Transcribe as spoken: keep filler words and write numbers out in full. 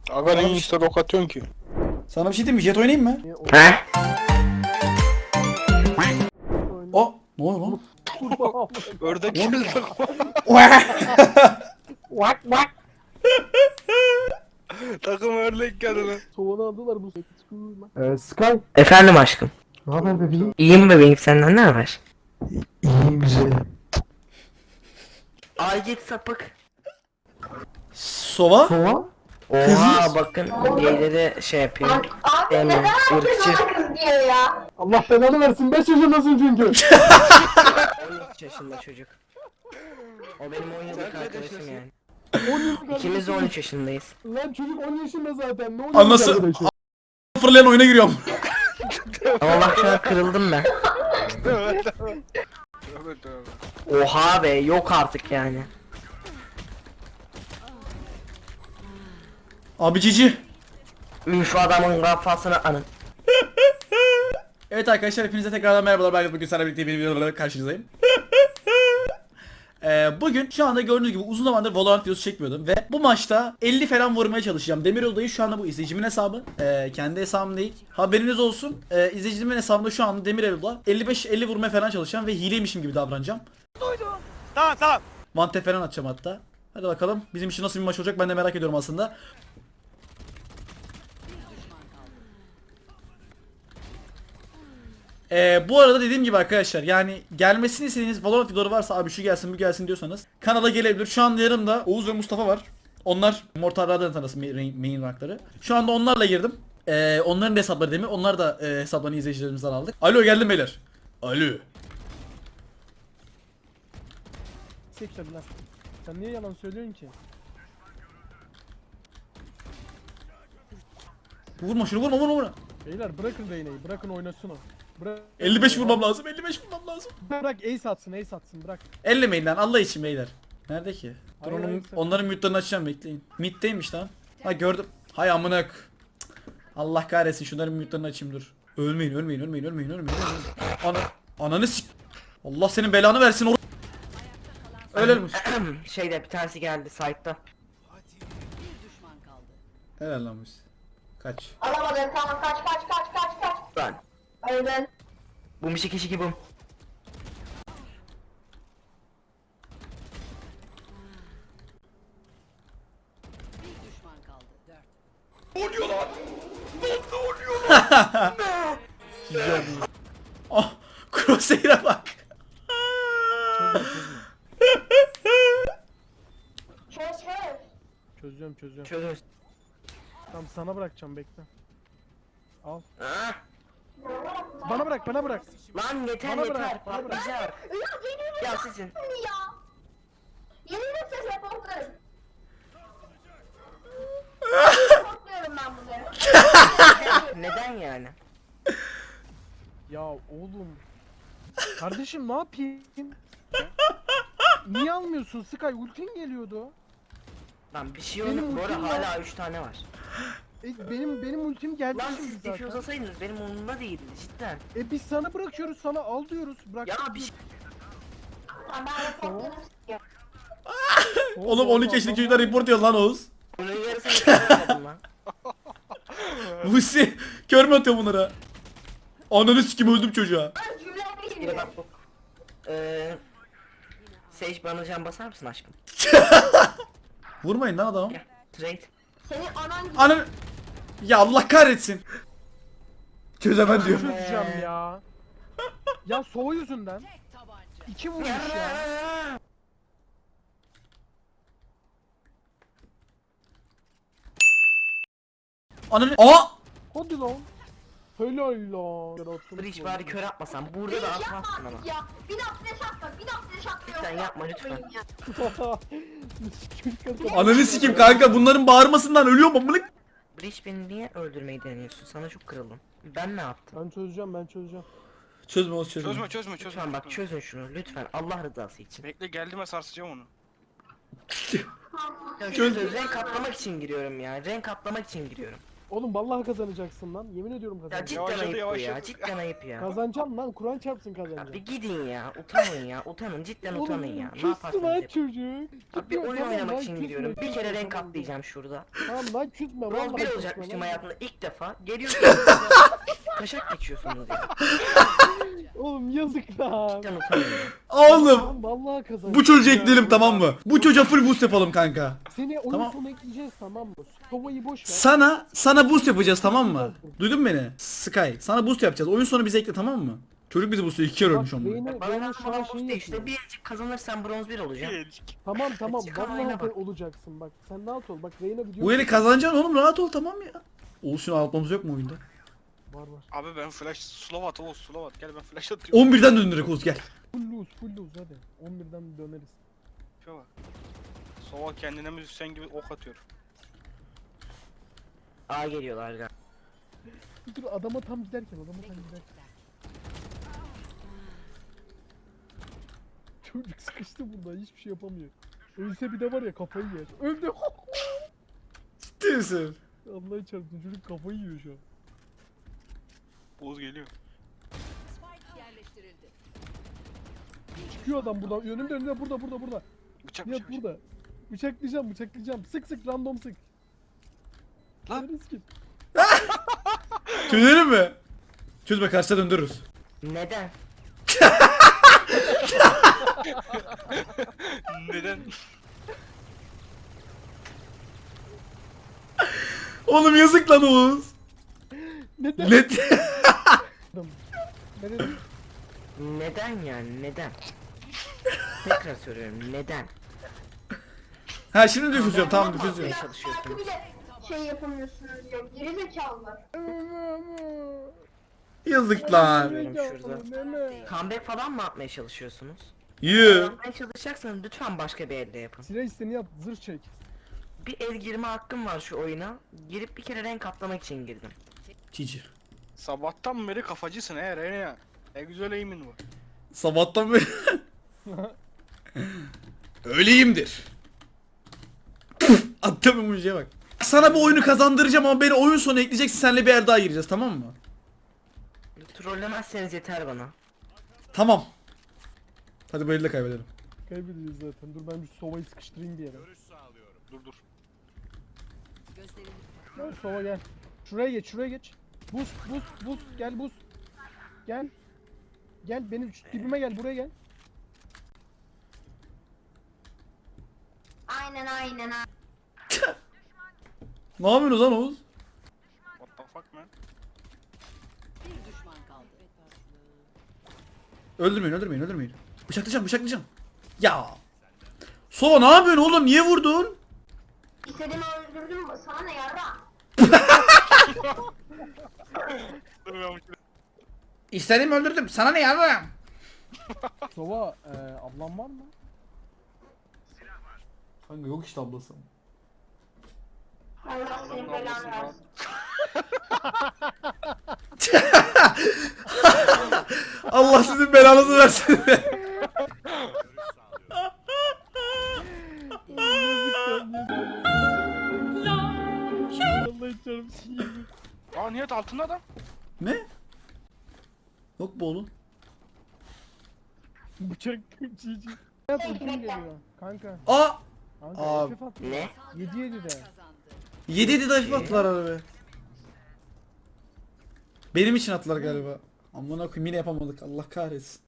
Aga ne insta ok atıyorsun ki? Sana bir şey diyeyim mi? Jet oynayayım mı? He? O ne oluyor lan? Ördek geldi. Vak vak. Takım ördek geldi lan. Soğanı aldılar bu sefer. Ee, Sky. Efendim aşkım. Ne haber bebeğim? İyiyim bebeğim, senden ne haber? İyiyim güzelim. Ay git sapık. Sova? Sova? Oha bakın geyleri şey yapıyor. Demiyor. Irkçı. Allah belanı versin, beş yaşındasın çünkü. on üç yaşında çocuk. O benim on yıllık Sen kaç arkadaşım yaşındasın? yani. on yıllık İkimiz de on üç yaşındayız. Lan çocuk on yaşında zaten. Ne on Anası- yıllık arkadaşı? Fırlayan oyuna giriyorum. Ama bak şu an kırıldım ben. Tövbe tövbe. Tövbe tövbe. Oha be, yok artık yani. Abi cici. Üf, adamın kafasına anın. Evet arkadaşlar hepinize tekrardan merhabalar. Ben bugün sizlerle birlikte bir videolarla karşınızdayım. Ee, bugün şu anda gördüğünüz gibi uzun zamandır Valorant videosu çekmiyordum ve bu maçta elli falan vurmaya çalışacağım. Demiroğlu'dayı şu anda bu izleyicimin hesabı. Ee, kendi hesabım değil. Haberiniz olsun. Ee, izleyicimin hesabında şu anda Demiroğlu'da elli beş elli vurmaya falan çalışacağım ve hileymişim gibi davranacağım. Duydum. Tamam tamam. Mante falan atacağım hatta. Hadi bakalım bizim için nasıl bir maç olacak ben de merak ediyorum aslında. Ee, bu arada dediğim gibi arkadaşlar yani gelmesini istediğiniz Valorant videoları varsa abi şu gelsin bu gelsin diyorsanız kanala gelebilir. Şu anda yanımda Oğuz ve Mustafa var. Onlar Mortal Radar'ın tanısı main, main rankları. Şu anda onlarla girdim. Ee, onların da hesapları değil mi? Onlar da e, hesaplarını izleyicilerimizden aldık. Alo geldim beyler. Alo. Seksen lan. Sen niye yalan söylüyorsun ki? Vurma şunu vurma vurma vurma. Beyler bırakın değneği, bırakın oynasın o. Bırak. elli beş vurmam lazım elli beş vurmam lazım. Bırak ace atsın, ace atsın, bırak. ellemeyin lan Allah için beyler. Nerede ki? Dur Hayır, onun, hayır, sakın. onların mute'larını açacağım bekleyin. Mid'deymiş lan. Ha gördüm. Hay amına k- Allah kahretsin şunların mute'larını açayım dur. Ölmeyin ölmeyin ölmeyin ölmeyin ölmeyin. ölmeyin. Ana ananı sik. Allah senin belanı versin or. Ölelim. Şeyde bir tanesi geldi site'da. Helal lan biz. Kaç. Alamadın, tamam, kaç kaç kaç kaç kaç. Ben. Öldün. Bu mişi kişi gibi. Oh Crosshair'a bak. Çöz çöz. Çözüyorum, çözüyorum. Çözümüz. Tamam sana bırakacağım, bekle. Al. Ah, Bana bırak, bana bırak. lan yeter Bana yeter bırak, bana bırak. patlayacak. Ya yemin Ya ederim sizin. ya. Yemin ederim ses reportlarım. Korkmuyorum ben bunları. Neden yani? Ya oğlum. Kardeşim ne yapayım? Niye almıyorsun Sky? Ultin geliyordu. Lan bir şey Benim yok. Bu arada ultim var. hala üç tane var. E, benim benim ultim geldi Lan şimdi siz zaten. defuse olsaydınız benim umurumda değildi cidden. E biz sana bırakıyoruz, sana al diyoruz. Bırak. Ya bir şey. Tamam, ben reportlarım istiyorum. Oğlum on iki yaşındaki çocuklar report diyor lan Oğuz. Bunun yarısını çıkaramadım lan. Vusi kör mü atıyor bunlara? Ananı sikim öldüm çocuğa. Ben cümleme Bir de giriyorum. bak bu. Eee... Sage bana can basar mısın aşkım? Vurmayın lan adamı. Gel. Trade. Senin anan gibi. Ananı. Ya Allah kahretsin. Çözemem diyor. Çözeceğim ya. Ya soğu yüzünden. İki vurmuş ya. Ananı. Aa! Hadi lan. Helal lan. Breach bari kör atmasam. Burada da Yapma atmazsın ama. artık ya. Bir daha flash atma, bir daha flash atma. Lütfen yoksa yapma, lütfen. ya. Ananı sikim kanka bunların bağırmasından ölüyorum amına. Breach beni niye öldürmeyi deniyorsun? Sana çok kırıldım. Ben ne yaptım? Ben çözeceğim, ben çözeceğim. Çözme Oğuz çözme. Çözme çözme çözme. Lütfen bak çözün şunu lütfen Allah rızası için. Bekle geldiğime sarsacağım onu. Ya şu renk katlamak için giriyorum ya. Renk katlamak için giriyorum. Oğlum vallahi kazanacaksın lan. Yemin ediyorum Ya kazanacaksın. cidden Yavaşladı, ayıp bu ya. yavaşladı. Cidden ayıp ya. Kazanacaksın lan. Kur'an çarpsın Abi kazanacaksın. gidin ya. Utanın ya. Utanın. Cidden utanın ya. Ne küstü yaparsanız lan yapın. çocuk. Abi bir oyun Tamam oynamak lan, için küsme, gidiyorum. Bir küsme, kere renk tamam. atlayacağım şurada. Tamam lan küsme. Bronz vallahi bir küsme olacakmışım lan. hayatımda ilk defa. Geliyorsunuz. Taşak geçiyorsunuz ya. Oğlum yazık lan. Cidden utanın ya. Oğlum Lan vallahi kazanacaksın. bu çocuğu ekleyelim tamam mı? Bu çocuğa full boost yapalım kanka. Seni oyun Tamam. sonu ekleyeceğiz tamam mı? Kovayı boş ver. Sana sana boost yapacağız tamam mı? Duydun mu beni? Sky sana boost yapacağız. Oyun sonu bizi ekle tamam mı? Çocuk bizi boostluyor. iki kere Bak, ölmüş ama. beyni- Bana beyni lan şu an bana şey boost işte. yapıyor. Birazcık kazanırsan bronz bir olacağım. Tamam tamam Çıkan vallahi oyuna bak. olacaksın bak. Sen rahat ol. Bak Reyna video. Bu eli kazanacaksın oğlum rahat ol tamam ya. Oğuz şunu atmamız yok mu oyunda? Var var. Abi ben flash slow at Oğuz slow at gel ben flash atıyorum. on birden döndürek Oğuz gel. Full lose full lose hadi. on birden döneriz. Şuna bak. Sova kendine müzisyen gibi ok atıyor. A geliyorlar galiba. Dur adama tam giderken adama tam giderken. Çocuk sıkıştı bunda hiçbir şey yapamıyor. Ölse bir de var ya kafayı yer. Öldü. Ciddi misin? Allah'ı çarptı çocuk kafayı yiyor şu an. Oğuz geliyor. Çıkıyor adam buradan. Önümde önümde burada burada burada. Bıçak Nihat bıçak bıçak. burada. Bıçaklayacağım bıçaklayacağım. Sık sık random sık. Lan. Neresi ki? Çözelim mi? Çözme karşıda döndürürüz. Neden? Neden? Oğlum yazık lan Oğuz. Neden? Net. Neresi? Neden yani neden? Tekrar soruyorum neden? Ha şimdi difüzyon tamam difüzyon. Yapmaya çalışıyorsunuz. Bir de şey yapamıyorsunuz diyor. Geri zekalılar. Yazık lan. Şurada. Nene. Comeback falan mı atmaya çalışıyorsunuz? Yuh. Yapmaya çalışacaksanız lütfen başka bir elde yapın. Silah isteni yap zırh çek. Bir el girme hakkım var şu oyuna. Girip bir kere renk atlamak için girdim. Cici. Sabahtan beri kafacısın he Rene ya. Ne güzel eğimin var. Sabahtan beri. Öyleyimdir. Attım emojiye bak. Sana bu oyunu kazandıracağım ama beni oyun sonu ekleyeceksin senle bir yer daha gireceğiz tamam mı? Trollemezseniz yeter bana. Tamam. Hadi bu elde kaybedelim. Kaybedeceğiz zaten. Dur ben bir sovayı sıkıştırayım bir yere. Dur dur. Gel sova gel. Şuraya geç şuraya geç. Buz buz buz gel buz. Gel. Gel benim şu dibime gel buraya gel. Aynen aynen. aynen. Ne yapıyorsunuz lan Oğuz? What the fuck man? Öldürmeyin öldürmeyin öldürmeyin. Bıçaklayacağım bıçaklayacağım. Ya. Sova ne yapıyorsun oğlum niye vurdun? İstediğimi öldürdüm. Sana ne yarra? Dur ben bunu- İstediğimi öldürdüm. Sana ne yavrum? Sova e, ablam var mı? Kanka yok işte ablası. Allah senin belanı versin. Allah sizin belanızı versin. Allah'ın çarpsın yemin. Aa Nihat altında adam. Ne? Yok bu oğlum. Bıçak cici. Hayat ultim geliyor. Kanka. Aa! Kanka Abi. F F at. Ne? yedi yedi de. yedi yedi de attılar arabaya. Benim için attılar galiba. Amına koyayım yine yapamadık. Allah kahretsin.